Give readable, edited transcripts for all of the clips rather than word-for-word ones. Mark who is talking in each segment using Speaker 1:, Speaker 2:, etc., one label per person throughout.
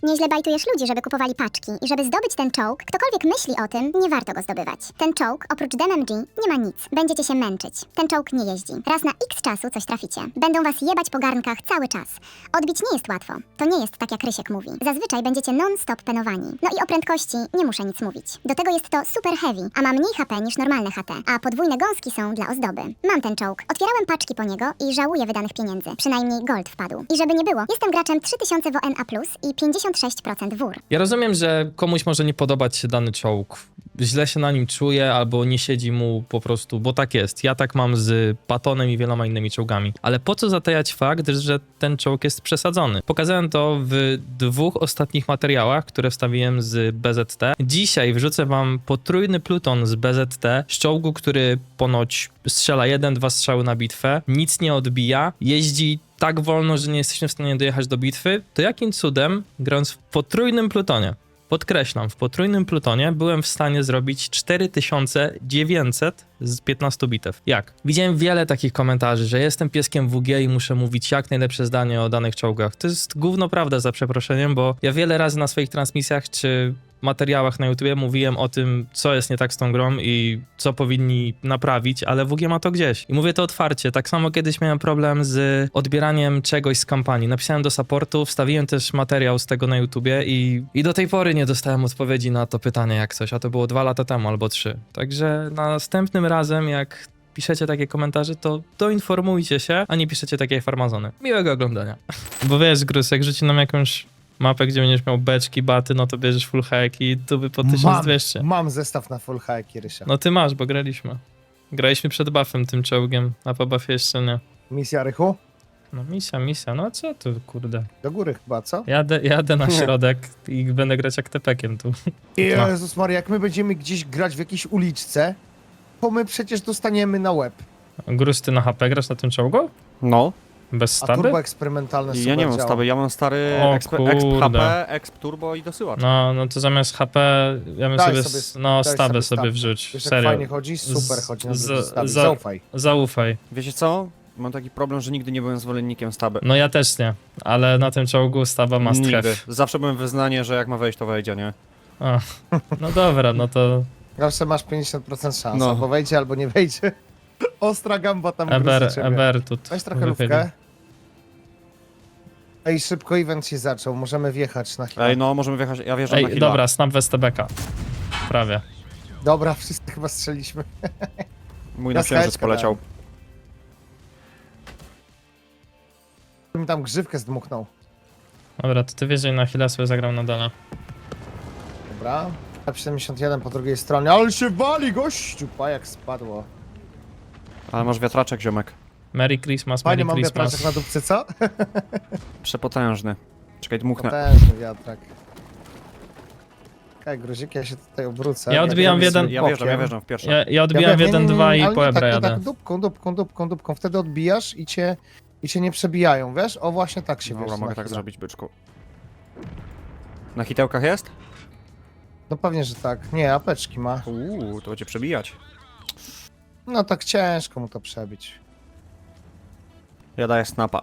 Speaker 1: Nieźle bajtujesz ludzi, żeby kupowali paczki i żeby zdobyć ten czołg, ktokolwiek myśli o tym, nie warto go zdobywać. Ten czołg, oprócz DMG, nie ma nic. Będziecie się męczyć. Ten czołg nie jeździ. Raz na x czasu coś traficie. Będą was jebać po garnkach cały czas. Odbić nie jest łatwo. To nie jest tak, jak Rysiek mówi. Zazwyczaj będziecie non-stop penowani. No i o prędkości nie muszę nic mówić. Do tego jest to super heavy, a ma mniej HP niż normalne HT, a podwójne gąski są dla ozdoby. Mam ten czołg. Otwierałem paczki po niego i żałuję wydanych pieniędzy. Przynajmniej gold wpadł. I żeby nie było, jestem graczem 3000 WNA+, i 56% WUR.
Speaker 2: Ja rozumiem, że komuś może nie podobać się dany czołg. Źle się na nim czuje, albo nie siedzi mu po prostu, bo tak jest. Ja tak mam z Patonem i wieloma innymi czołgami. Ale po co zatajać fakt, że ten czołg jest przesadzony? Pokazałem to w 2 ostatnich materiałach, które wstawiłem z BZT. Dzisiaj wrzucę wam potrójny pluton z BZT, z czołgu, który ponoć strzela 1-2 strzały na bitwę, nic nie odbija, jeździ tak wolno, że nie jesteśmy w stanie dojechać do bitwy. To jakim cudem, grając w potrójnym plutonie, podkreślam, w potrójnym plutonie byłem w stanie zrobić 4900 z 15 bitew. Jak? Widziałem wiele takich komentarzy, że jestem pieskiem WG i muszę mówić jak najlepsze zdanie o danych czołgach. To jest gówno prawda, za przeproszeniem, bo ja wiele razy na swoich transmisjach czy materiałach na YouTubie mówiłem o tym, co jest nie tak z tą grą i co powinni naprawić, ale WG ma to gdzieś. I mówię to otwarcie. Tak samo kiedyś miałem problem z odbieraniem czegoś z kampanii. Napisałem do supportu, wstawiłem też materiał z tego na YouTubie i do tej pory nie dostałem odpowiedzi na to pytanie jak coś, a to było 2 lata temu albo 3. Także następnym razem, jak piszecie takie komentarze, to doinformujcie się, a nie piszecie takie farmazony. Miłego oglądania. Bo wiesz, Grus, jak rzuci nam jakąś mapę, gdzie będziesz miał beczki, baty, no to bierzesz full hack i tu by po 1200.
Speaker 3: Mam zestaw na full hack, Rysia.
Speaker 2: No ty masz, bo graliśmy. Graliśmy przed buffem tym czołgiem, a po buffie jeszcze nie.
Speaker 3: Misja, Rychu?
Speaker 2: No misja, no co tu, kurde.
Speaker 3: Do góry chyba, co?
Speaker 2: Jadę na środek i będę grać jak tepekiem tu. No.
Speaker 3: Jezus Maria, jak my będziemy gdzieś grać w jakiejś uliczce, to my przecież dostaniemy na łeb.
Speaker 2: Grus, ty na HP grasz na tym czołgu?
Speaker 4: No,
Speaker 2: Bez
Speaker 3: A
Speaker 2: staby?
Speaker 3: turbo eksperymentalne super
Speaker 4: ja nie mam
Speaker 3: działa.
Speaker 4: stawy, ja mam stary
Speaker 2: O
Speaker 4: exp
Speaker 2: kurde.
Speaker 4: HP, exp turbo i dosyłacz.
Speaker 2: No to zamiast HP, ja bym
Speaker 3: Daj
Speaker 2: sobie,
Speaker 3: sobie-
Speaker 2: no
Speaker 3: daj
Speaker 2: stabę
Speaker 3: sobie
Speaker 2: sobie
Speaker 3: stabę.
Speaker 2: wrzuć,
Speaker 3: Wiesz, jak
Speaker 2: serio.
Speaker 3: fajnie chodzi? Super chodzi na stawie.
Speaker 2: za-
Speaker 3: Zaufaj.
Speaker 2: Zaufaj.
Speaker 4: Wiecie co? Mam taki problem, że nigdy nie byłem zwolennikiem staby.
Speaker 2: No ja też nie, ale na tym czołgu staba must
Speaker 4: Nigdy.
Speaker 2: have.
Speaker 4: Zawsze byłem wyznanie, że jak ma wejść, to wejdzie, nie?
Speaker 2: A, no dobra, no to
Speaker 3: Zawsze masz 50% szans,
Speaker 4: No.
Speaker 3: albo wejdzie, albo nie wejdzie. Ostra gamba tam
Speaker 2: Eber tu.
Speaker 3: Weź trochę lówkę. Ej, szybko event się zaczął, możemy wjechać na chwilę.
Speaker 4: Ej, no, możemy wjechać, ja wjeżdżam na
Speaker 2: Ej,
Speaker 4: hilla.
Speaker 2: dobra, snap Westebeka. Prawie.
Speaker 3: Dobra, wszyscy chyba strzeliśmy.
Speaker 4: Mój
Speaker 3: Ja
Speaker 4: na księżyc
Speaker 3: skałeczkę
Speaker 4: poleciał.
Speaker 3: Mi tam grzywkę zdmuchnął.
Speaker 2: Dobra, to ty wiesz, że na chwilę sobie zagram na dole.
Speaker 3: Dobra. F71 po drugiej stronie, ale się wali, gościu! Pa, jak spadło.
Speaker 4: Ale masz wiatraczek, ziomek.
Speaker 2: Merry Christmas,
Speaker 3: Fajnie,
Speaker 2: Merry
Speaker 3: mam wiatraczek
Speaker 2: Christmas.
Speaker 3: na dupce, co?
Speaker 4: Przepotężny. Czekaj, dmuchnę.
Speaker 3: Potężny wiatrak. Okej, Gruzik, ja się tutaj obrócę.
Speaker 2: Ja odbijam w jeden-
Speaker 4: Ja wjeżdżam w pierwsze.
Speaker 2: Ja odbijam w
Speaker 3: wiem, nie,
Speaker 2: 1-2
Speaker 3: ale
Speaker 2: i
Speaker 3: nie
Speaker 2: po
Speaker 3: tak,
Speaker 2: Ebra
Speaker 3: nie
Speaker 2: jadę.
Speaker 3: tak dupką. Wtedy odbijasz i cię nie przebijają, wiesz? O, właśnie tak się
Speaker 4: Dobra,
Speaker 3: wiesz.
Speaker 4: mogę
Speaker 3: na
Speaker 4: tak
Speaker 3: chwilę.
Speaker 4: zrobić, byczku. Na hitełkach jest?
Speaker 3: No pewnie, że tak. Nie, apeczki ma.
Speaker 4: To będzie przebijać.
Speaker 3: No tak ciężko mu to przebić.
Speaker 4: Ja daję snapa.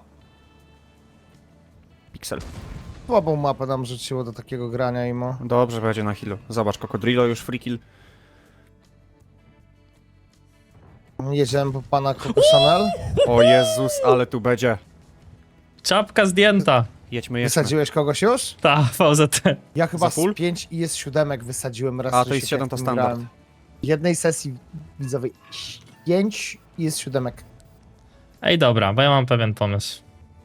Speaker 4: Pixel.
Speaker 3: Słabą mapę nam rzuciło do takiego grania imo.
Speaker 4: Dobrze, będzie na healu. Zobacz, Cocodrillo już free kill.
Speaker 3: Jedziemy po pana Coco Chanel.
Speaker 4: O Jezus, ale tu będzie.
Speaker 2: Czapka zdjęta.
Speaker 4: Jedźmy.
Speaker 3: Wysadziłeś kogoś już?
Speaker 2: Ta, VZT.
Speaker 3: Ja chyba
Speaker 4: Za full?
Speaker 3: z 5 i jest 7 wysadziłem raz.
Speaker 4: A, to
Speaker 3: że
Speaker 4: jest
Speaker 3: się
Speaker 4: 7 to
Speaker 3: tak tym
Speaker 4: standard.
Speaker 3: grałem. Jednej sesji widzowej 5 i jest 7.
Speaker 2: Ej, dobra, bo ja mam pewien pomysł.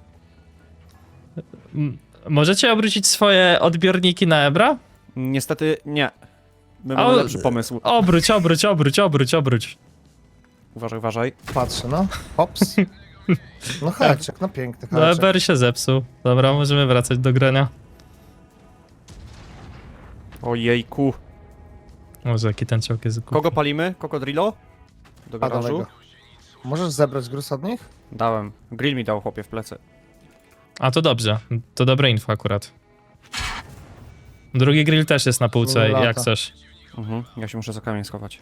Speaker 2: Możecie obrócić swoje odbiorniki na Ebra?
Speaker 4: Niestety nie. My
Speaker 2: A,
Speaker 4: mamy lepszy pomysł.
Speaker 2: Obróć.
Speaker 4: Uważaj.
Speaker 3: Patrzę, no. Hops. No haczek, no piękny
Speaker 2: No
Speaker 3: haczek.
Speaker 2: Eber się zepsuł. Dobra, możemy wracać do grania.
Speaker 4: Ojejku.
Speaker 2: Może jaki ten czołg jest głupi.
Speaker 4: Kogo palimy? Cocodrillo? Do
Speaker 3: A,
Speaker 4: garażu?
Speaker 3: daleko. Możesz zebrać gruz od nich?
Speaker 4: Dałem. Grill mi dał, chłopie, w plecy.
Speaker 2: A to dobrze, to dobre info akurat. Drugi grill też jest na półce,
Speaker 3: Lata.
Speaker 2: jak chcesz.
Speaker 4: Ja się muszę za kamień schować.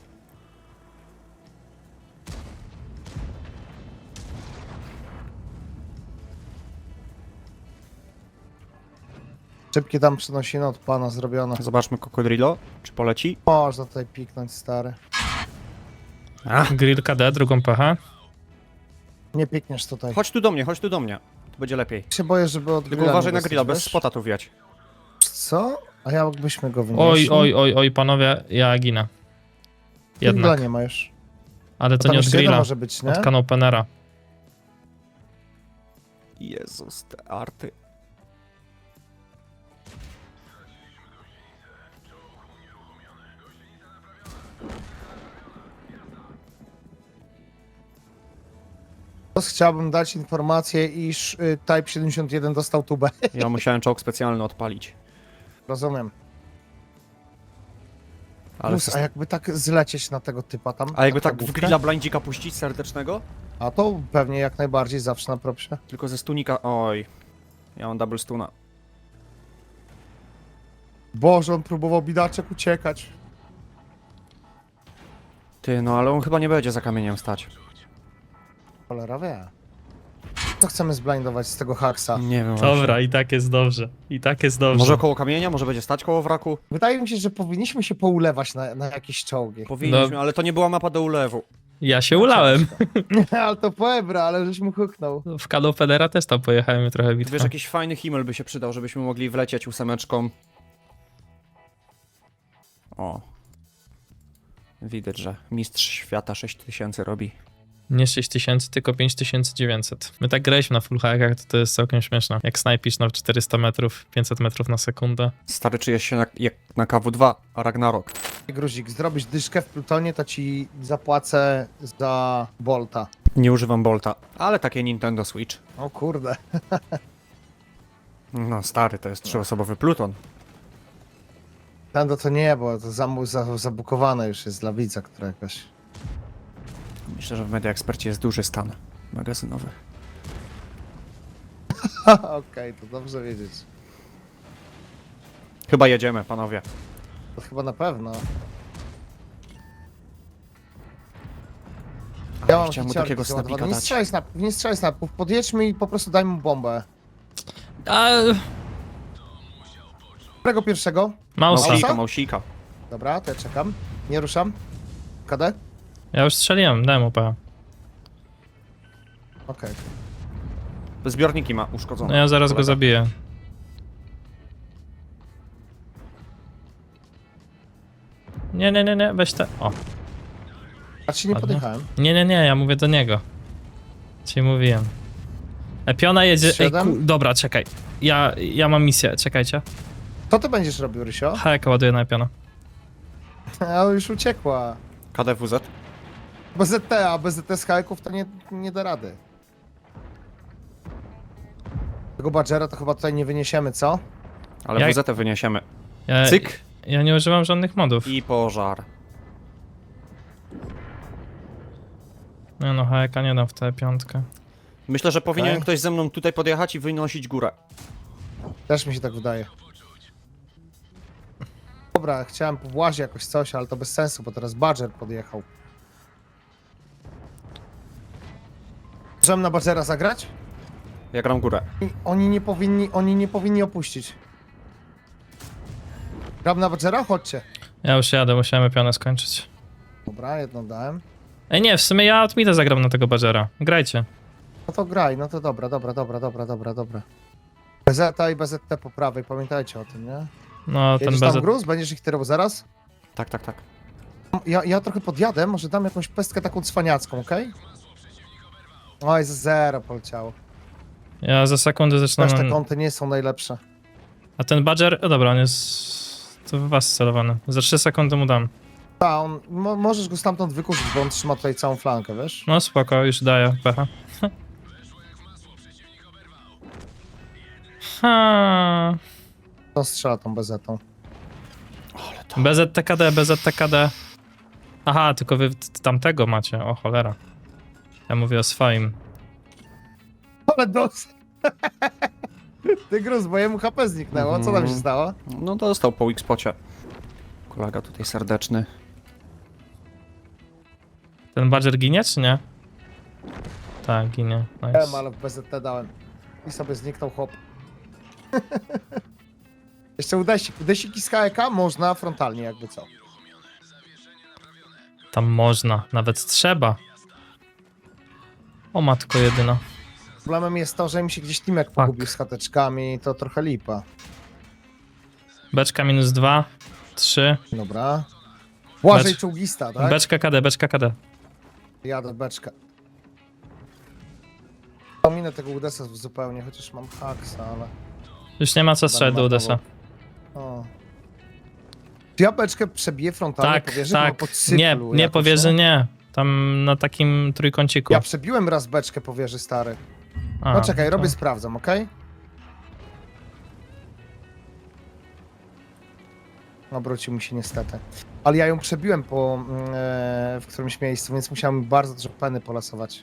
Speaker 3: Szybkie tam przenosiny od pana zrobione.
Speaker 4: Zobaczmy Cocodrillo, czy poleci.
Speaker 3: Można tutaj piknąć, stary.
Speaker 2: Grill KD, drugą pechę.
Speaker 3: Nie pikniesz tutaj.
Speaker 4: Chodź tu do mnie, chodź tu do mnie. To będzie lepiej.
Speaker 3: Się boję, żeby od
Speaker 4: Tylko
Speaker 3: grilla
Speaker 4: uważaj
Speaker 3: nie
Speaker 4: na
Speaker 3: dostać,
Speaker 4: grilla, bez
Speaker 3: wiesz?
Speaker 4: spota tu wjać.
Speaker 3: Co? A jakbyśmy go wynieśli?
Speaker 2: Oj, panowie, ja ginę.
Speaker 3: Grilla
Speaker 2: Jednak.
Speaker 3: nie ma już.
Speaker 2: Ale
Speaker 3: To
Speaker 2: to
Speaker 3: tam
Speaker 2: nie od
Speaker 3: jeszcze jeden
Speaker 2: grilla,
Speaker 3: może być, nie?
Speaker 2: od kanopenera.
Speaker 4: Jezus, te arty.
Speaker 3: Teraz chciałbym dać informację, iż Type 71 dostał tubę.
Speaker 4: Ja musiałem czołg specjalny odpalić.
Speaker 3: Rozumiem.
Speaker 4: Ale
Speaker 3: Plus, a jakby tak zlecieć na tego typa tam?
Speaker 4: A jakby
Speaker 3: na
Speaker 4: tak w
Speaker 3: główkę?
Speaker 4: grilla blindzika puścić serdecznego?
Speaker 3: A to pewnie jak najbardziej, zawsze na propsie.
Speaker 4: Tylko ze stunika... Oj. Ja mam double stuna.
Speaker 3: Boże, on próbował bidaczek uciekać.
Speaker 4: Ty, no ale on chyba nie będzie za kamieniem stać.
Speaker 3: Cholera wie. Co chcemy zblindować z tego haksa?
Speaker 4: Nie wiem właśnie.
Speaker 2: Dobra, i tak jest dobrze. I tak jest dobrze.
Speaker 4: Może koło kamienia? Może będzie stać koło wraku?
Speaker 3: Wydaje mi się, że powinniśmy się poulewać na jakieś czołgi.
Speaker 4: Powinniśmy, ale to nie była mapa do ulewu.
Speaker 2: Ja się ulałem.
Speaker 3: Ale to poebra, ale żeś mu huknął.
Speaker 2: W kanopenera też tam pojechałem i trochę
Speaker 4: Wiesz,
Speaker 2: bitwa.
Speaker 4: jakiś fajny himmel by się przydał, żebyśmy mogli wlecieć ósemeczką. O. Widać, że mistrz świata 6000 robi.
Speaker 2: Nie 6000, tylko 5900. My tak graliśmy na full hackach, to jest całkiem śmieszne. Jak snajpisz na 400 metrów, 500 metrów na sekundę.
Speaker 4: Stary, czujesz się jak na KW2, a Ragnarok.
Speaker 3: Gruzik, zrobisz dyszkę w Plutonie, to ci zapłacę za Bolta.
Speaker 4: Nie używam Bolta, ale takie Nintendo Switch.
Speaker 3: O kurde.
Speaker 4: No stary, to jest trzyosobowy Pluton.
Speaker 3: Tando to nie, bo to zabukowane już jest dla widza, która jakaś...
Speaker 4: Myślę, że w Media Expercie jest duży stan magazynowy.
Speaker 3: Okej, to dobrze wiedzieć.
Speaker 4: Chyba jedziemy, panowie.
Speaker 3: To chyba na pewno. Ja mam
Speaker 4: Chciałem mu
Speaker 3: hiciarki
Speaker 4: takiego
Speaker 3: załadowane.
Speaker 4: snapika dać.
Speaker 3: Nie strzelaj snapów, podjedźmy i po prostu daj mu bombę.
Speaker 2: A,
Speaker 3: Którego pierwszego?
Speaker 2: Mausa.
Speaker 3: Mausa?
Speaker 4: Mausika.
Speaker 3: Dobra, to ja czekam. Nie ruszam. KD?
Speaker 2: Ja już strzeliłem, dałem UP.
Speaker 3: Okej.
Speaker 4: Zbiorniki ma uszkodzone.
Speaker 2: No ja zaraz go
Speaker 4: Kolega.
Speaker 2: zabiję. Nie, weź te... O,
Speaker 3: A ci nie
Speaker 2: Ładnie.
Speaker 3: podjechałem.
Speaker 2: nie, ja mówię do niego. Ci mówiłem. Piona jedzie... Ej,
Speaker 3: Siedem?
Speaker 2: dobra, czekaj. Ja mam misję, czekajcie.
Speaker 3: Co ty będziesz robił, Rysio?
Speaker 2: Hajka ładuję na piona.
Speaker 3: A już uciekła.
Speaker 4: KDWZ.
Speaker 3: BZT, a BZT z hajków to nie da rady. Tego Badgera to chyba tutaj nie wyniesiemy, co?
Speaker 4: Ale
Speaker 2: Ja-
Speaker 4: WZ wyniesiemy.
Speaker 2: Ja,
Speaker 4: Cyk
Speaker 2: ja nie używam żadnych modów.
Speaker 4: i pożar.
Speaker 2: Nie no, hajka nie dam w tę piątkę.
Speaker 4: Myślę, że powinien
Speaker 3: Okej.
Speaker 4: ktoś ze mną tutaj podjechać i wynosić górę.
Speaker 3: Też mi się tak wydaje. Dobra, chciałem po włazie jakoś coś, ale to bez sensu, bo teraz Badger podjechał. Możemy na Badgera zagrać?
Speaker 4: Ja gram górę.
Speaker 3: I oni nie powinni opuścić. Gram na Badgera? Chodźcie.
Speaker 2: Ja już jadę, musiałem pionę skończyć.
Speaker 3: Dobra, jedną dałem.
Speaker 2: Ej nie, w sumie ja od mida zagram na tego Badgera. Grajcie.
Speaker 3: No to graj, no to dobra. BZT i BZT po prawej, pamiętajcie o tym, nie?
Speaker 2: No, ten
Speaker 3: Jedziesz tam
Speaker 2: BZ...
Speaker 3: gruz? Będziesz ich tyrał zaraz?
Speaker 4: Tak, tak, tak.
Speaker 3: Ja trochę podjadę, może dam jakąś pestkę taką cwaniacką, okej? Oj, za zero poleciało.
Speaker 2: Ja za sekundę zaczynam...
Speaker 3: Też te kąty nie są najlepsze.
Speaker 2: A ten Badger... O dobra, on jest... To w was celowany. Za 3 sekundy mu dam.
Speaker 3: Ta, możesz go stamtąd wykurzyć, bo on trzyma tutaj całą flankę, wiesz?
Speaker 2: No spoko, już daję pecha. Ha.
Speaker 3: On strzela tą bezetą.
Speaker 2: BZTKD. Aha, tylko wy tamtego macie, o cholera. Ja mówię o swoim.
Speaker 3: Ale dos... Ty gruz, bo jemu HP zniknęło, co tam się stało?
Speaker 4: No dostał po X-pocie. Kolega tutaj serdeczny.
Speaker 2: Ten Badger ginie, czy nie? Tak, ginie.
Speaker 3: Wiem,
Speaker 2: Nice.
Speaker 3: ale w BZT dałem. I sobie zniknął chłop. Jeszcze udesiki z HEK można frontalnie, jakby co.
Speaker 2: Tam można, nawet trzeba. O matko jedyna.
Speaker 3: Problemem jest to, że mi się gdzieś Timek pogubił z chateczkami, to trochę lipa.
Speaker 2: Beczka -2, 3.
Speaker 3: Dobra. Błażej
Speaker 2: Becz-
Speaker 3: czołgista, tak?
Speaker 2: Beczka KD, beczka KD.
Speaker 3: Jadę beczkę. Pominę tego Udesa zupełnie, chociaż mam haksa, ale...
Speaker 2: Już nie ma co strzelać do Udesa.
Speaker 3: O. Czy ja beczkę przebiję frontalnie
Speaker 2: Tak,
Speaker 3: po wieży?
Speaker 2: tak.
Speaker 3: Bo po cyklu
Speaker 2: Nie, nie
Speaker 3: jakoś,
Speaker 2: po wieży nie. Tam na takim trójkąciku.
Speaker 3: Ja przebiłem raz beczkę po wieży, stary.
Speaker 2: A,
Speaker 3: No czekaj,
Speaker 2: to-
Speaker 3: robię, sprawdzam, okej? Obrócił mi się niestety. Ale ja ją przebiłem w którymś miejscu, więc musiałem bardzo dużo peny polasować.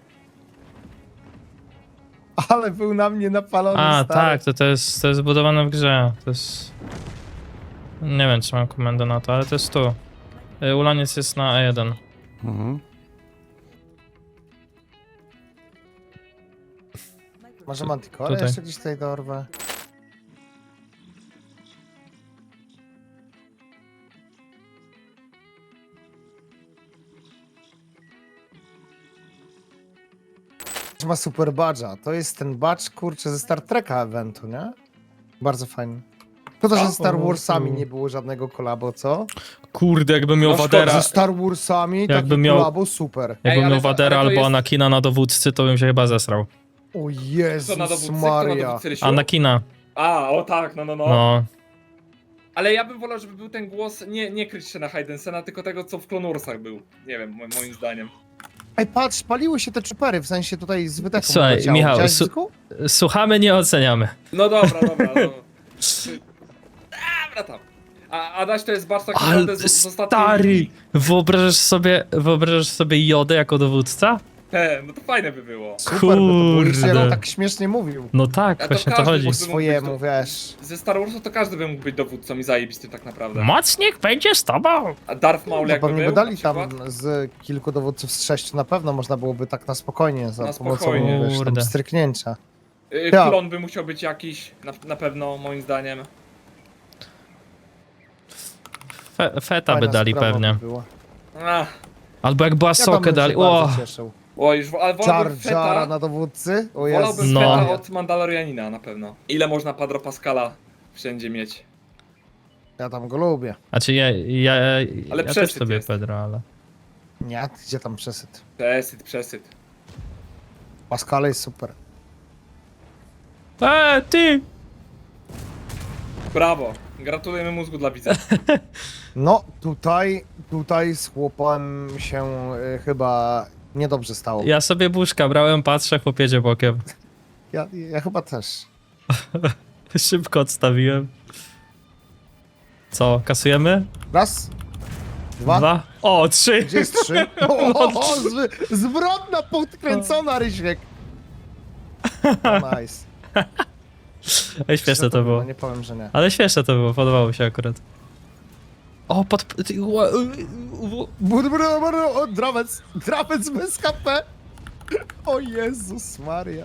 Speaker 3: Ale był na mnie napalony,
Speaker 2: A,
Speaker 3: stary.
Speaker 2: tak, to jest zbudowane w grze. To jest... Nie wiem, czy mam komendę na to, ale to jest tu. Ulaniec jest na E1.
Speaker 4: Mhm.
Speaker 3: Może Manticore
Speaker 2: Tutaj.
Speaker 3: jeszcze gdzieś tutaj dorwę. Ma super badża. To jest ten badge, kurczę, ze Star Treka eventu, nie? Bardzo fajny. Szkoda, że ze Star Warsami nie było żadnego kolabo, co?
Speaker 2: Kurde, jakbym miał
Speaker 5: No szkoda,
Speaker 2: Vadera,
Speaker 3: Ze Star Warsami
Speaker 2: Jakby
Speaker 3: taki
Speaker 2: miał-
Speaker 3: kolabo, super.
Speaker 2: jakbym
Speaker 5: ale
Speaker 2: miał
Speaker 5: to-
Speaker 2: Vadera
Speaker 5: ale to
Speaker 2: albo
Speaker 5: jest-
Speaker 2: Anakina na dowódcy, to bym się chyba zesrał.
Speaker 3: O
Speaker 5: Co na
Speaker 3: Jezus
Speaker 5: dowódcy? Kto na
Speaker 3: Maria.
Speaker 5: dowódcy, Rysiu?
Speaker 2: Anakina,
Speaker 5: A, o tak, no.
Speaker 2: no.
Speaker 5: Ale ja bym wolał, żeby był ten głos, nie kryć się na Haydensena, tylko tego, co w Clone Warsach był. Nie wiem, moim zdaniem.
Speaker 3: Ej, patrz, paliły się te czupery, w sensie tutaj z wydechu
Speaker 2: Słuchaj,
Speaker 3: leciało.
Speaker 2: Michał,
Speaker 3: Widziałeś, Zyku?
Speaker 2: Słuchamy, nie oceniamy.
Speaker 5: No dobra, no. Dobra tam. A Adaś to jest bardzo tak
Speaker 2: Ale
Speaker 5: naprawdę z ostatniej
Speaker 2: stary,
Speaker 5: linii.
Speaker 2: wyobrażasz sobie Jodę jako dowódca?
Speaker 5: No to fajne by było.
Speaker 3: Super, bo to
Speaker 2: Kurde.
Speaker 3: Policja tak śmiesznie mówił.
Speaker 2: No tak,
Speaker 5: A to
Speaker 2: właśnie to
Speaker 5: każdy
Speaker 2: chodzi.
Speaker 5: mógł-
Speaker 3: Po swojemu, wiesz.
Speaker 5: Ze Star Warsu to każdy by mógł być dowódcą i zajebistym tak naprawdę.
Speaker 2: Mocnik będzie z tobą.
Speaker 5: A Darth Maul
Speaker 3: No
Speaker 5: jakby
Speaker 3: pewnie
Speaker 5: był,
Speaker 3: by dali
Speaker 5: na przykład?
Speaker 3: tam z kilku dowódców z 6, na pewno można byłoby tak na spokojnie, za
Speaker 5: Na
Speaker 3: pomocą
Speaker 5: spokojnie.
Speaker 3: wiesz, tam
Speaker 2: Kurde.
Speaker 3: stryknięcia. Ja.
Speaker 5: Klon by musiał być jakiś, na pewno, moim zdaniem.
Speaker 2: Feta by
Speaker 3: Fajna
Speaker 2: dali
Speaker 3: sprawa
Speaker 2: pewnie.
Speaker 3: by była.
Speaker 5: Ach,
Speaker 2: Albo jak była
Speaker 3: Ja tam
Speaker 2: sokę
Speaker 3: bym
Speaker 2: dali.
Speaker 3: się bardzo
Speaker 2: O,
Speaker 3: cieszył.
Speaker 5: o, już, ale
Speaker 3: Jar
Speaker 5: wolałbym
Speaker 3: Jara
Speaker 5: Feta,
Speaker 3: na dowódcy? O
Speaker 5: wolałbym
Speaker 3: Jezus.
Speaker 2: No.
Speaker 5: Feta od Mandalorianina na pewno. Ile można Padro Pascala wszędzie mieć?
Speaker 3: Ja tam go lubię.
Speaker 2: znaczy ja
Speaker 5: Ale
Speaker 2: też
Speaker 5: przesyt
Speaker 2: sobie
Speaker 5: jest.
Speaker 2: Pedro, ale...
Speaker 3: Nie, gdzie tam przesyt?
Speaker 5: Przesyt.
Speaker 3: Pascal jest super.
Speaker 2: Ty!
Speaker 5: Brawo. Gratulujemy mózgu dla widza.
Speaker 3: No, tutaj z chłopem się chyba niedobrze stało.
Speaker 2: Ja sobie buszka brałem, patrzę, chłop jedzie bokiem.
Speaker 3: Ja chyba też.
Speaker 2: Szybko odstawiłem. Co, kasujemy?
Speaker 3: Raz, dwa.
Speaker 2: 2? O, 3!
Speaker 3: Gdzie jest 3? O, zwrotna, podkręcona, Rysiek. Nice.
Speaker 2: Ej, śmieszne to było.
Speaker 3: No, nie powiem, że nie.
Speaker 2: Ale śmieszne to było, podobało mi się akurat. O,
Speaker 3: O, drawec bez KP. O Jezus Maria.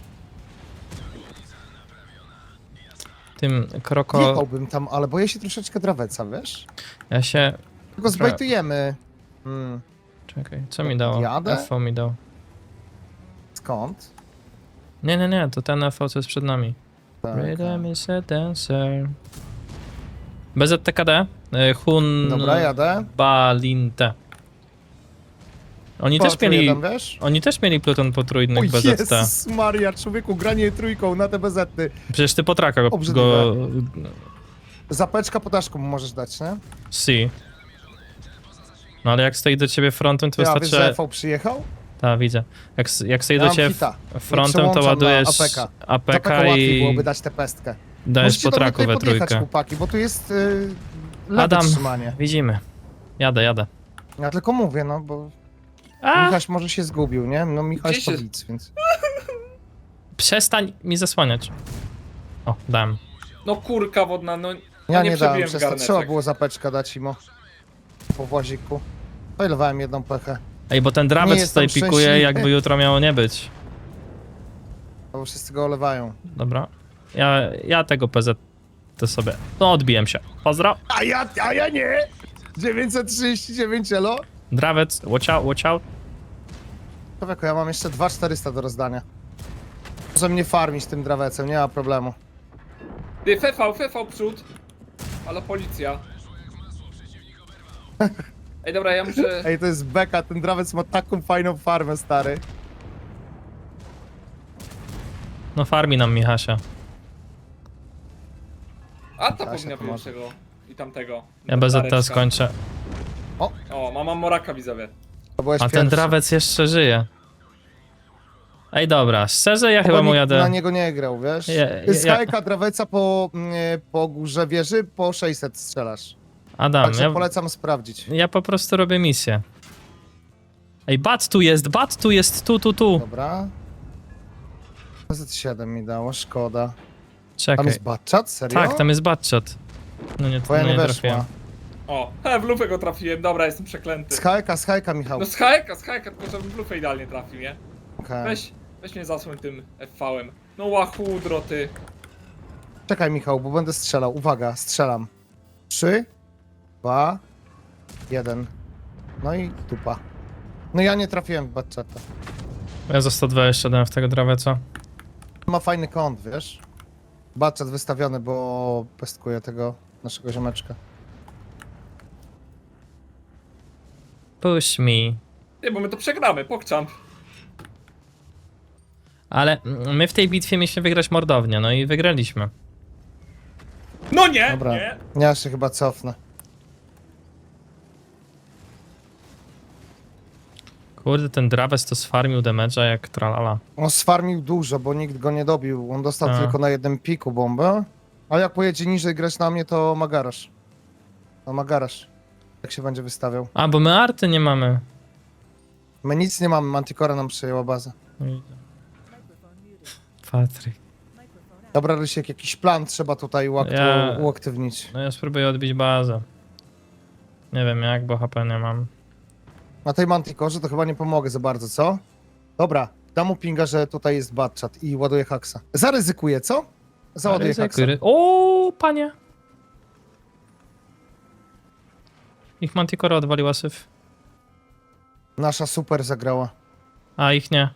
Speaker 2: Tym kroko...
Speaker 3: Jechałbym tam, ale boję się troszeczkę draweca, wiesz?
Speaker 2: Ja się...
Speaker 3: Tylko zbejtujemy.
Speaker 2: Czekaj, co mi dało?
Speaker 3: Jadę?
Speaker 2: FV mi dał.
Speaker 3: Skąd?
Speaker 2: Nie, to ten FV, co jest przed nami.
Speaker 3: Tak,
Speaker 2: Rhythm is a dancer. BZTKD, Hun
Speaker 3: Dobra, jadę.
Speaker 2: Balinte. Oni
Speaker 3: Po,
Speaker 2: też
Speaker 3: tu
Speaker 2: mieli...
Speaker 3: jeden, wiesz?
Speaker 2: Oni też mieli pluton
Speaker 3: O
Speaker 2: potrójnych BZT.
Speaker 3: Jezus Maria, człowieku, granie trójką na te bezety.
Speaker 2: Przecież ty po traka go...
Speaker 3: Obrzydliwe. Zapeczka podaszką mu możesz dać, nie?
Speaker 2: Si. No ale jak stoi do ciebie frontem, to
Speaker 3: Ja, wiesz,
Speaker 2: wystarczy...
Speaker 3: że FV przyjechał?
Speaker 2: Tak, widzę. Jak stoi
Speaker 3: Ja
Speaker 2: do
Speaker 3: mam
Speaker 2: ciebie
Speaker 3: hita.
Speaker 2: frontem, to
Speaker 3: Przełączam na
Speaker 2: ładujesz
Speaker 3: APK.
Speaker 2: APK
Speaker 3: Zapeka łatwiej
Speaker 2: i
Speaker 3: byłoby dać tę pestkę.
Speaker 2: dajesz
Speaker 3: Musicie
Speaker 2: po
Speaker 3: do mnie
Speaker 2: traku
Speaker 3: tutaj
Speaker 2: we
Speaker 3: podjechać,
Speaker 2: trójkę.
Speaker 3: chłopaki, bo tu jest lewe
Speaker 2: Adam.
Speaker 3: trzymanie.
Speaker 2: Widzimy. Jadę.
Speaker 3: Ja tylko mówię, no bo
Speaker 2: A!
Speaker 3: Michaś może się zgubił, nie? No Michaś
Speaker 5: Gdzie się-
Speaker 3: to widz, więc...
Speaker 2: Przestań mi zasłaniać. O, dałem.
Speaker 5: No kurka wodna, no...
Speaker 3: Ja
Speaker 5: nie
Speaker 3: nie dałem
Speaker 5: przebiłem
Speaker 3: przez to,
Speaker 5: garneczek.
Speaker 3: trzeba było zapeczkę dać imo. Po właziku. Poilowałem jedną pechę,
Speaker 2: Ej, bo ten
Speaker 3: Nie
Speaker 2: drabec
Speaker 3: jestem
Speaker 2: tutaj pikuje,
Speaker 3: szczęśliwy.
Speaker 2: jakby jutro miało nie być.
Speaker 3: bo wszyscy go olewają.
Speaker 2: Dobra. Ja tego PZ to sobie... No, odbiłem się. Pozdro.
Speaker 3: A ja nie! 939 elo.
Speaker 2: Drawec, watch out, watch out.
Speaker 3: Człowieku, ja mam jeszcze 2400 do rozdania. Może mnie farmić tym drawecem, nie ma problemu.
Speaker 5: Ty, FV przód. Ale policja. Ej, dobra, ja muszę...
Speaker 3: Ej, to jest beka, ten drawec ma taką fajną farmę, stary.
Speaker 2: No farmi nam Michasia.
Speaker 5: A ta
Speaker 3: Kasia
Speaker 5: powinna
Speaker 3: to może.
Speaker 5: być tego i tamtego.
Speaker 2: Ja BZT
Speaker 5: Dareczka.
Speaker 2: skończę.
Speaker 5: O, mam Moraka, widzowie.
Speaker 3: To byłeś
Speaker 2: A ten
Speaker 3: pierwszy.
Speaker 2: drawec jeszcze żyje. Ej, dobra, szczerze ja
Speaker 3: Bo
Speaker 2: chyba mu
Speaker 3: nikt
Speaker 2: jadę...
Speaker 3: na niego nie grał, wiesz?
Speaker 2: Ja-
Speaker 3: Skajka draweca po górze wieży, po 600 strzelasz.
Speaker 2: Adam,
Speaker 3: Także polecam sprawdzić.
Speaker 2: ja po prostu robię misję. Ej, bat tu jest, tu.
Speaker 3: Dobra. Z7 mi dało, szkoda. Tam
Speaker 2: Czekaj.
Speaker 3: jest batchat? Serio?
Speaker 2: Tak, tam jest batshot. No nie,
Speaker 3: Twoja
Speaker 2: no
Speaker 3: nie
Speaker 2: nie
Speaker 3: weszła.
Speaker 2: trafiłem.
Speaker 5: O, w lufę go trafiłem, dobra, jestem przeklęty.
Speaker 3: Skajka, Michał.
Speaker 5: No schajka, tylko żebym w lufę idealnie trafił, nie?
Speaker 3: Okej.
Speaker 5: Weź mnie zasłoń tym FV-em. No łachudro, ty.
Speaker 3: Czekaj, Michał, bo będę strzelał. Uwaga, strzelam. 3, 2, 1. No i dupa. No ja nie trafiłem w batchata.
Speaker 2: Ja za 120 dałem w tego draweca.
Speaker 3: Ma fajny kąt, wiesz? Batchat wystawiony, bo pestkuje tego naszego ziomeczka.
Speaker 2: Push me.
Speaker 5: Nie, bo my to przegramy, pokczamp.
Speaker 2: Ale my w tej bitwie mieliśmy wygrać mordownię, no i wygraliśmy.
Speaker 5: No nie,
Speaker 3: Dobra,
Speaker 5: nie.
Speaker 3: ja się chyba cofnę.
Speaker 2: Kurde, ten drawec to sfarmił damage'a jak tralala.
Speaker 3: On sfarmił dużo, bo nikt go nie dobił. On dostał
Speaker 2: A.
Speaker 3: tylko na jednym piku bombę. A jak pojedzie niżej grać na mnie, to ma garaż. No ma garaż. Jak się będzie wystawiał.
Speaker 2: A, bo my arty nie mamy.
Speaker 3: My nic nie mamy, Manticora nam przejęła bazę.
Speaker 2: Patryk.
Speaker 3: Dobra, Rysiek, jakiś plan trzeba tutaj uaktywnić.
Speaker 2: No ja spróbuję odbić bazę. Nie wiem jak, bo HP nie mam.
Speaker 3: Na tej Manticorze to chyba nie pomogę za bardzo, co? Dobra, dam mu pinga, że tutaj jest batchat i ładuję haksa. Zaryzykuję, co? Załaduję haksa.
Speaker 2: O, panie! Ich Manticora odwaliła syf.
Speaker 3: Nasza super zagrała.
Speaker 2: A ich nie.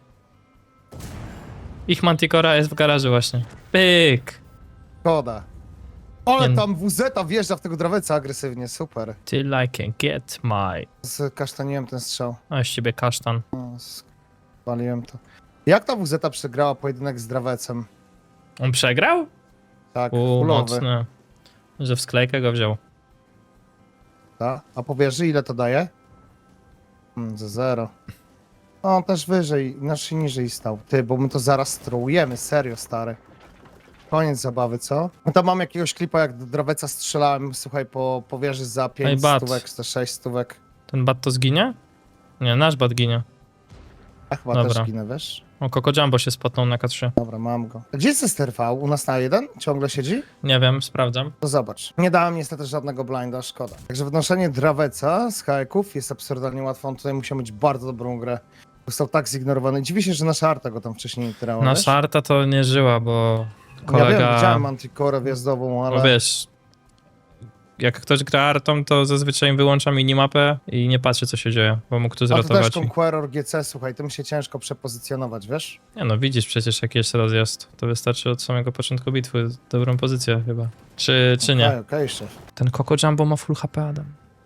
Speaker 2: Ich Manticora jest w garażu właśnie. Pyk!
Speaker 3: Szkoda. Ale
Speaker 2: Nie-
Speaker 3: tam WZ wjeżdża w tego draweca agresywnie, super.
Speaker 2: Till I can get my...
Speaker 3: Skasztaniłem ten strzał.
Speaker 2: A z ciebie kasztan.
Speaker 3: No, spaliłem to. Jak ta WZ przegrała pojedynek z drawecem?
Speaker 2: On przegrał?
Speaker 3: Tak,
Speaker 2: Fulowy.
Speaker 3: fulowy.
Speaker 2: Mocny. Że w sklejkę go wziął.
Speaker 3: Ta? A po wieży ile to daje? Za 0. No, on też wyżej, znaczy niżej stał. Ty, bo my to zaraz strołujemy, serio, stary. Koniec zabawy, co? No to mam jakiegoś klipa, jak do draweca strzelałem, słuchaj, po wieży za 5
Speaker 2: bat.
Speaker 3: stówek, czy 6 stówek.
Speaker 2: Ten bat to zginie? Nie, nasz bat ginie.
Speaker 3: Ja chyba
Speaker 2: Dobra.
Speaker 3: też ginę, wiesz?
Speaker 2: O, Coco Jumbo się spotnął na K3.
Speaker 3: Dobra, mam go. Gdzie jest STRV? U nas na 1? Ciągle siedzi?
Speaker 2: Nie wiem, sprawdzam.
Speaker 3: To zobacz. Nie dałem niestety żadnego blinda, szkoda. Także wnoszenie draweca z haeków jest absurdalnie łatwo. On tutaj musiał mieć bardzo dobrą grę. Został tak zignorowany. Dziwi się, że nasza Arta go tam wcześniej nie grała, wiesz?
Speaker 2: Nasza Arta to nie żyła, bo
Speaker 3: Ja
Speaker 2: kolega...
Speaker 3: wiem, widziałem Manticorę wjazdową, ale...
Speaker 2: No wiesz, jak ktoś gra Artą, to zazwyczaj wyłącza minimapę i nie patrzy, co się dzieje, bo mógł tu
Speaker 3: A to też
Speaker 2: zratować.
Speaker 3: Conqueror GC, słuchaj, tym się ciężko przepozycjonować, wiesz?
Speaker 2: Nie no, widzisz przecież, jaki jest rozjazd. To wystarczy od samego początku bitwy dobrą pozycję chyba. Czy nie?
Speaker 3: Okej, szef.
Speaker 2: Ten Coco Jumbo ma full HP, Adam.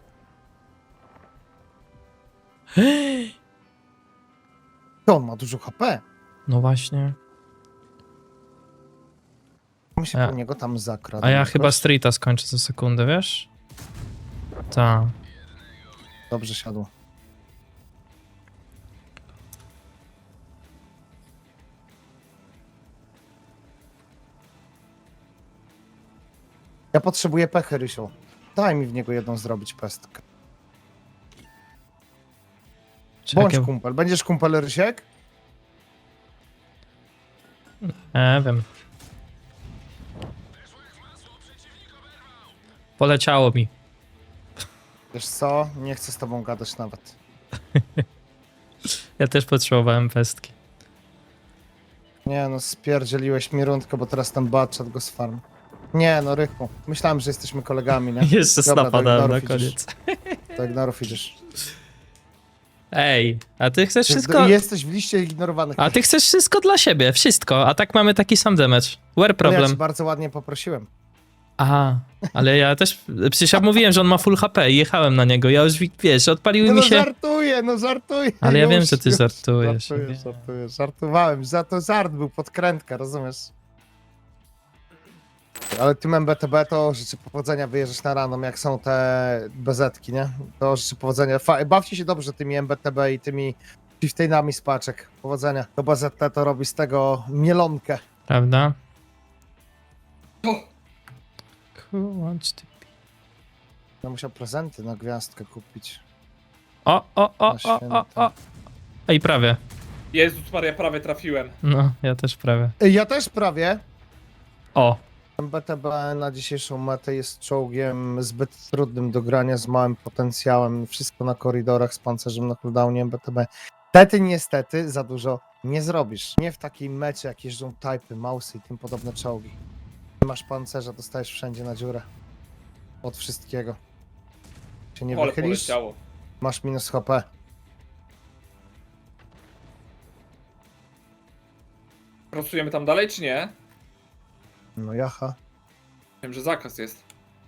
Speaker 3: To on ma dużo HP.
Speaker 2: No właśnie.
Speaker 3: My się
Speaker 2: Ja-
Speaker 3: po niego tam zakradł.
Speaker 2: A ja chyba Streeta skończę za sekundę, wiesz? Tak.
Speaker 3: Dobrze siadło. Ja potrzebuję pechy, Rysiu. Daj mi w niego jedną zrobić pestkę. Bądź
Speaker 2: Czekaj,
Speaker 3: kumpel. Będziesz kumpel, Rysiek?
Speaker 2: nie wiem. Poleciało mi.
Speaker 3: Wiesz co? Nie chcę z tobą gadać nawet.
Speaker 2: Ja też potrzebowałem pestki.
Speaker 3: Nie no, spierdzieliłeś mi rundkę, bo teraz ten batchat go sfarm. Nie, no Rychu. Myślałem, że jesteśmy kolegami, nie?
Speaker 2: Jeszcze
Speaker 3: Dobra,
Speaker 2: snapa
Speaker 3: do
Speaker 2: dałem na
Speaker 3: ignorów idziesz.
Speaker 2: koniec.
Speaker 3: Do ignorów idziesz.
Speaker 2: Ej, a ty chcesz wszystko...
Speaker 3: Jesteś w liście ignorowanych.
Speaker 2: A ty chcesz wszystko dla siebie, wszystko, a tak mamy taki sam damage. Where
Speaker 3: Ja
Speaker 2: problem?
Speaker 3: ci bardzo ładnie poprosiłem.
Speaker 2: Aha, ale ja też, przecież ja mówiłem, że on ma full HP i jechałem na niego, ja już, wiesz, odpaliły
Speaker 3: No,
Speaker 2: mi
Speaker 3: no
Speaker 2: się...
Speaker 3: żartuję.
Speaker 2: Ale ja
Speaker 3: już,
Speaker 2: wiem, że ty
Speaker 3: już.
Speaker 2: żartujesz.
Speaker 3: Żartowałem. To żart był, podkrętka, rozumiesz? Ale tym MBTB to życzę powodzenia, wyjeżdżasz na random, jak są te bezetki, nie? To życzę powodzenia. Bawcie się dobrze tymi MBTB i tymi chieftainami z paczek. Powodzenia. To BZT to robi z tego mielonkę.
Speaker 2: Prawda?
Speaker 5: O,
Speaker 2: Who wants to be-
Speaker 3: Ja musiał prezenty na gwiazdkę kupić.
Speaker 2: O. Ej, prawie.
Speaker 5: Jezus Maria, prawie trafiłem.
Speaker 2: No, ja też prawie.
Speaker 3: Ja też prawie.
Speaker 2: O,
Speaker 3: MBTB na dzisiejszą metę jest czołgiem zbyt trudnym do grania, z małym potencjałem. Wszystko na koridorach z pancerzem na cooldownie MBTB. Niestety za dużo nie zrobisz. Nie w takiej mecie, jak jeżdżą typy, mausy i tym podobne czołgi. Nie masz pancerza, dostajesz wszędzie na dziurę. Od wszystkiego. Się nie
Speaker 5: Pole
Speaker 3: wychylisz,
Speaker 5: poleciało.
Speaker 3: masz minus HP.
Speaker 5: Prosujemy tam dalej, czy nie?
Speaker 3: No jaha.
Speaker 5: Wiem, że zakaz jest.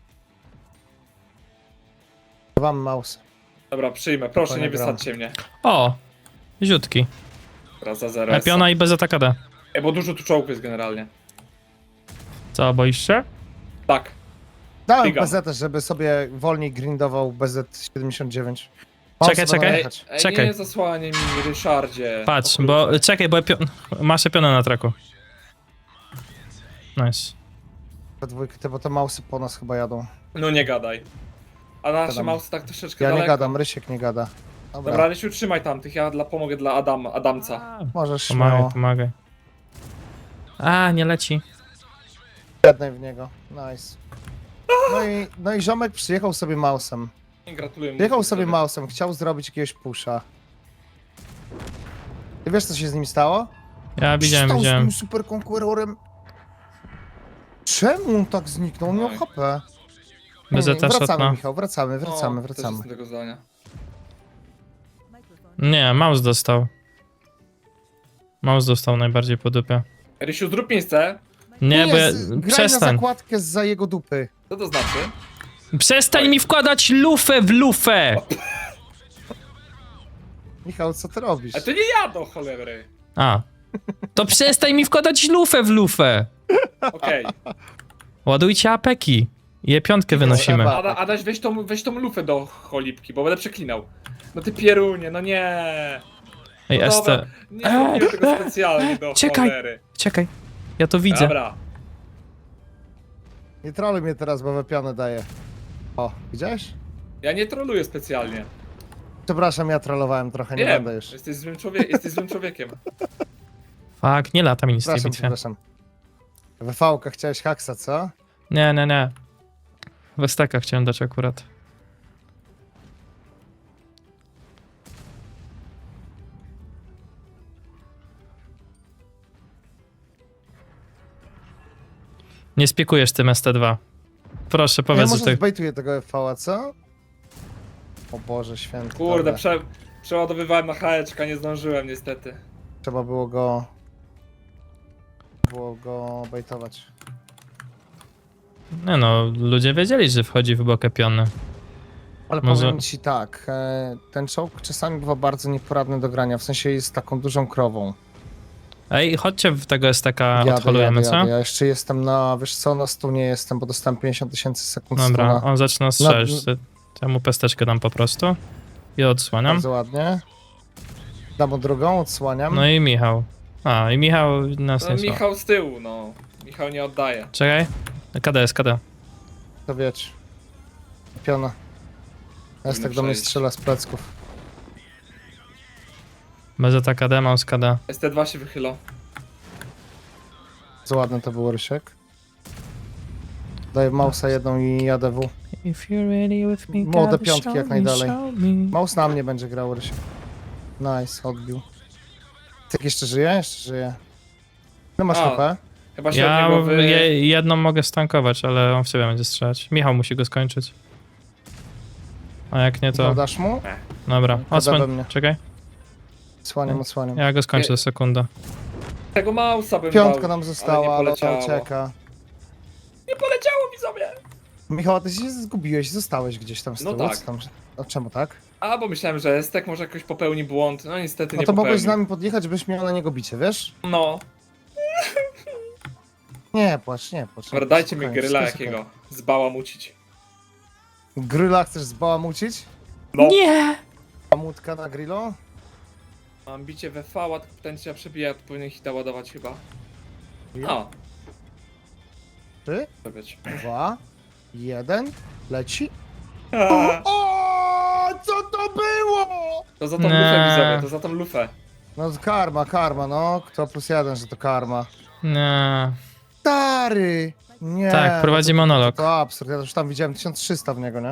Speaker 3: Wam mausy.
Speaker 5: Dobra, przyjmę. Proszę, nie
Speaker 3: Spokojnie, gram.
Speaker 5: wysadźcie mnie.
Speaker 2: o, ziutki.
Speaker 5: Teraz za 0.
Speaker 2: Piona i bez atakada.
Speaker 5: Bo dużo tu czołgów jest generalnie.
Speaker 2: Co, boisz się?
Speaker 5: Tak.
Speaker 3: Dałem
Speaker 5: Biegam.
Speaker 3: BZ, żeby sobie wolniej grindował BZ79.
Speaker 2: Czekaj, czekaj.
Speaker 5: Ej,
Speaker 2: Czekaj.
Speaker 5: nie zasłanie mi, Ryszardzie.
Speaker 2: Patrz,
Speaker 5: O
Speaker 2: bo,
Speaker 5: kurczę.
Speaker 2: czekaj, bo ja maszę pionę na traku. Nice.
Speaker 3: Dwójkę, bo te mausy po nas chyba jadą.
Speaker 5: No nie gadaj. A nasze
Speaker 3: Gadam.
Speaker 5: mouse tak troszeczkę
Speaker 3: Ja
Speaker 5: daleko.
Speaker 3: nie gadam, Rysiek nie gada. Dobra,
Speaker 5: Dobra, Rysiu, trzymaj tamtych, ja pomogę dla Adamca.
Speaker 3: możesz
Speaker 2: Pomagaj,
Speaker 3: śmiało.
Speaker 2: pomagaj. A, nie leci.
Speaker 3: Jednej w niego. Nice. No i ziomek przyjechał sobie mausem.
Speaker 5: Gratuluję mu.
Speaker 3: Przyjechał sobie mausem, chciał zrobić jakiegoś pusha. Ty wiesz, co się z nim stało?
Speaker 2: Ja widziałem,
Speaker 3: Stał z
Speaker 2: widziałem.
Speaker 3: tym super konkurorem. Czemu on tak zniknął? On miał
Speaker 5: Oj.
Speaker 3: HP.
Speaker 2: Bezeta
Speaker 3: Wracamy,
Speaker 2: szatna.
Speaker 3: Michał, wracamy.
Speaker 5: Też jestem tego zdania.
Speaker 2: Nie, mouse dostał. Mouse dostał najbardziej po dupie.
Speaker 5: Rysiu, zrób miejsce.
Speaker 2: Nie, bo ja...
Speaker 3: graj na
Speaker 2: Przestań.
Speaker 3: zakładkę za jego dupy.
Speaker 5: Co to znaczy?
Speaker 2: Przestań mi wkładać lufę w lufę!
Speaker 3: Michał, co ty robisz?
Speaker 5: A to nie ja do cholery.
Speaker 2: A. To przestań mi wkładać lufę w lufę!
Speaker 5: Okej.
Speaker 2: Ładujcie apeki. Je piątkę wynosimy.
Speaker 3: trzeba.
Speaker 5: Adaś, weź tą lufę do cholipki, bo będę przeklinał. No ty pierunie, no nie.
Speaker 2: Ej,
Speaker 5: No dobra,
Speaker 2: Este.
Speaker 5: nie zrobiłem tego specjalnie do
Speaker 2: Czekaj.
Speaker 5: cholery.
Speaker 2: Czekaj. Ja to widzę.
Speaker 5: Dobra.
Speaker 3: Nie troluj mnie teraz, bo wypianę daję. O, widziałeś?
Speaker 5: Ja nie troluję specjalnie.
Speaker 3: Przepraszam, ja trollowałem trochę, nie
Speaker 5: Wiem,
Speaker 3: będę już.
Speaker 5: jesteś złym człowiekiem.
Speaker 2: Fuck, nie lata mi nic w tej
Speaker 3: Przepraszam,
Speaker 2: bitwie.
Speaker 3: przepraszam. WV-ka chciałeś haksa, co?
Speaker 2: Nie. Westeka chciałem dać akurat. Nie spiekujesz tym ST2. Proszę,
Speaker 3: Ja
Speaker 2: powiedz,
Speaker 3: może
Speaker 2: że ty...
Speaker 3: zbejtuję tego FV-a, co? O Boże święty.
Speaker 5: Kurde,
Speaker 3: dobra.
Speaker 5: przeładowywałem na haeczka, nie zdążyłem niestety.
Speaker 3: Trzeba było go bejtować.
Speaker 2: Nie no, ludzie wiedzieli, że wchodzi w bokę piony.
Speaker 3: Ale
Speaker 2: Może-
Speaker 3: powiem ci tak, ten czołg czasami bywa bardzo nieporadny do grania, w sensie jest taką dużą krową.
Speaker 2: Ej, chodźcie w tego STK, odholujemy, co?
Speaker 3: Ja jeszcze jestem wiesz co, na stunie jestem, bo dostałem 50 000 sekund
Speaker 2: Dobra,
Speaker 3: stuna.
Speaker 2: on zaczyna strzelić. Ja mu pesteczkę dam po prostu. I odsłaniam.
Speaker 3: Bardzo ładnie. Dam mu drugą, odsłaniam.
Speaker 2: No i Michał. A, i Michał nas
Speaker 5: No
Speaker 2: nie słucha.
Speaker 5: Michał z tyłu, no. Michał nie oddaje.
Speaker 2: Czekaj. KD jest, KD.
Speaker 3: To wiecie. Piona. Jest tak do mnie
Speaker 5: przejść.
Speaker 3: strzela z plecków.
Speaker 2: BZ KD, mouse KD.
Speaker 5: ST2 się wychylał.
Speaker 3: Bardzo ładny to był Rysiek. Daję mausa jedną i jadę w.
Speaker 2: If you're ready with me,
Speaker 3: Młode
Speaker 2: gotta
Speaker 3: piątki
Speaker 2: show
Speaker 3: jak
Speaker 2: me,
Speaker 3: najdalej.
Speaker 2: show me.
Speaker 3: Maus na mnie będzie grał Rysiek. Nice, odbił. Tyk jeszcze żyje? Jeszcze żyje. No masz
Speaker 5: A.
Speaker 3: HP?
Speaker 5: Chyba się
Speaker 2: Ja
Speaker 5: od niego
Speaker 2: jedną mogę stankować, ale on w ciebie będzie strzelać. Michał musi go skończyć. A jak nie, to...
Speaker 3: Dasz mu?
Speaker 2: Dobra,
Speaker 3: we
Speaker 2: odsłoń,
Speaker 3: mnie.
Speaker 2: czekaj.
Speaker 3: Odsłaniam.
Speaker 2: Ja go skończę za sekundę.
Speaker 5: Tego mausa bym
Speaker 3: Piątka
Speaker 5: dał,
Speaker 3: nam została,
Speaker 5: ale
Speaker 3: ale
Speaker 5: nie
Speaker 3: ona
Speaker 5: poleciało.
Speaker 3: ucieka.
Speaker 5: Nie poleciało mi sobie!
Speaker 3: Michał, a ty się zgubiłeś, zostałeś gdzieś tam z
Speaker 5: No
Speaker 3: tyłu.
Speaker 5: tak.
Speaker 3: Co tam? A czemu tak?
Speaker 5: A, bo myślałem, że Estek może jakoś popełni błąd. No niestety
Speaker 3: No
Speaker 5: nie
Speaker 3: to mogłeś
Speaker 5: popełnił.
Speaker 3: z nami podjechać, byś miał na niego bicie, wiesz?
Speaker 5: No,
Speaker 3: Nie płacz.
Speaker 5: dobra, dajcie mi
Speaker 3: Spokojnie,
Speaker 5: gryla
Speaker 3: wszystko jest
Speaker 5: jakiego. Zbałamucić.
Speaker 3: okej. Gryla chcesz zbałamucić?
Speaker 5: No.
Speaker 2: Nie!
Speaker 3: Bałamutka na grillu?
Speaker 5: Mam bicie we V, a ten trzeba przebija, to powinien hita ładować chyba. No,
Speaker 3: 3,
Speaker 5: to być.
Speaker 3: 2, 1, leci. O, co to było?
Speaker 5: To za tą
Speaker 2: Nie.
Speaker 5: lufę widzowie, to za tą lufę.
Speaker 3: No karma, no. Kto +1, że to karma.
Speaker 2: Nie.
Speaker 3: Stary! Nie.
Speaker 2: Tak, prowadzi
Speaker 3: no to,
Speaker 2: monolog.
Speaker 3: To absurd, ja już tam widziałem 1300 w niego, nie?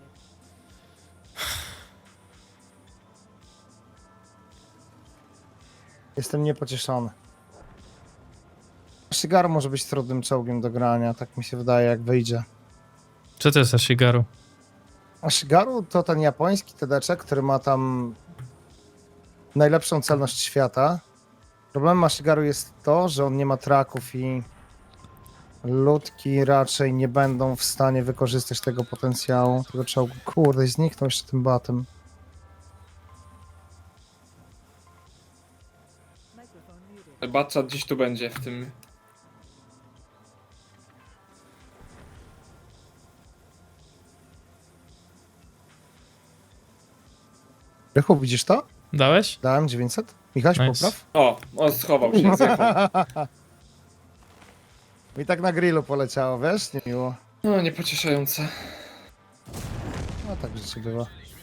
Speaker 3: Jestem niepocieszony. Shigaru może być trudnym czołgiem do grania, tak mi się wydaje, jak wyjdzie.
Speaker 2: Co to jest za Shigaru?
Speaker 3: A Shigaru to ten japoński TD-czek, który ma tam najlepszą celność świata. Problemem Ashigaru jest to, że on nie ma traków i ludki raczej nie będą w stanie wykorzystać tego potencjału, tego czołgu. Kurde, zniknął jeszcze tym batem.
Speaker 5: Batchat gdzieś tu będzie w tym.
Speaker 3: Rychu, widzisz to?
Speaker 2: Dałeś?
Speaker 3: Dałem 900. Michaś,
Speaker 2: Nice.
Speaker 3: popraw.
Speaker 5: O, schował się, zjechał.
Speaker 3: Mi tak na grillu poleciało, wiesz? Niemiło.
Speaker 5: No, niepocieszające.
Speaker 3: No tak życie bywa.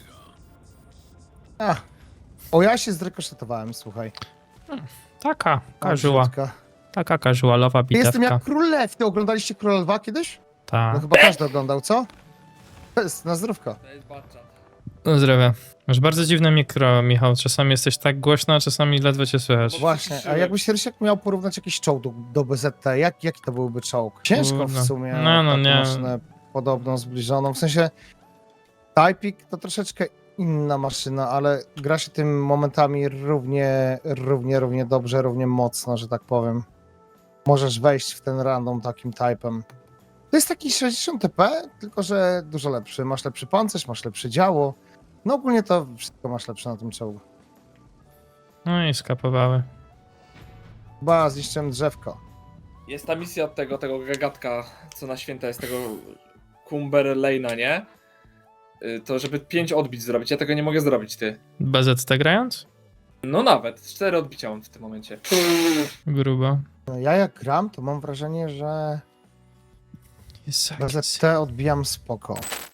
Speaker 3: A. O, ja się zrekoszetowałem, słuchaj.
Speaker 2: Taka, casual.
Speaker 3: Brzydka.
Speaker 2: Taka casualowa
Speaker 3: Jestem
Speaker 2: bitewka.
Speaker 3: jak Król Lew. Ty oglądaliście Króla Lwa kiedyś? No
Speaker 2: Ta.
Speaker 3: chyba każdy oglądał, co? To jest na zdrówko.
Speaker 5: To jest Batchat.
Speaker 2: No zdrowie. Masz bardzo dziwne mikro, Michał. Czasami jesteś tak głośno, a czasami ledwo cię słychać.
Speaker 3: Właśnie, a jakbyś Rysiek miał porównać jakiś czołg do BZT, jaki to byłby czołg? Ciężko
Speaker 2: Kurde.
Speaker 3: w sumie,
Speaker 2: No,
Speaker 3: taką
Speaker 2: nie.
Speaker 3: maszynę podobną, zbliżoną. W sensie Typik to troszeczkę inna maszyna, ale gra się tym momentami równie dobrze, równie mocno, że tak powiem. Możesz wejść w ten random takim typem. To jest taki 60 TP, tylko że dużo lepszy. Masz lepszy pancerz, masz lepsze działo. No ogólnie to wszystko masz lepsze na tym czołgu.
Speaker 2: No i skapowały.
Speaker 3: Chyba zniszczyłem drzewko.
Speaker 5: Jest ta misja od tego gagatka, co na święta jest tego Cumber Lane'a, nie? To żeby 5 odbić zrobić, ja tego nie mogę zrobić, ty.
Speaker 2: BZT grając?
Speaker 5: No nawet, 4 odbicia mam w tym momencie.
Speaker 2: Grubo.
Speaker 3: No, ja jak gram, to mam wrażenie, że
Speaker 2: Jest
Speaker 3: BZT odbijam spoko.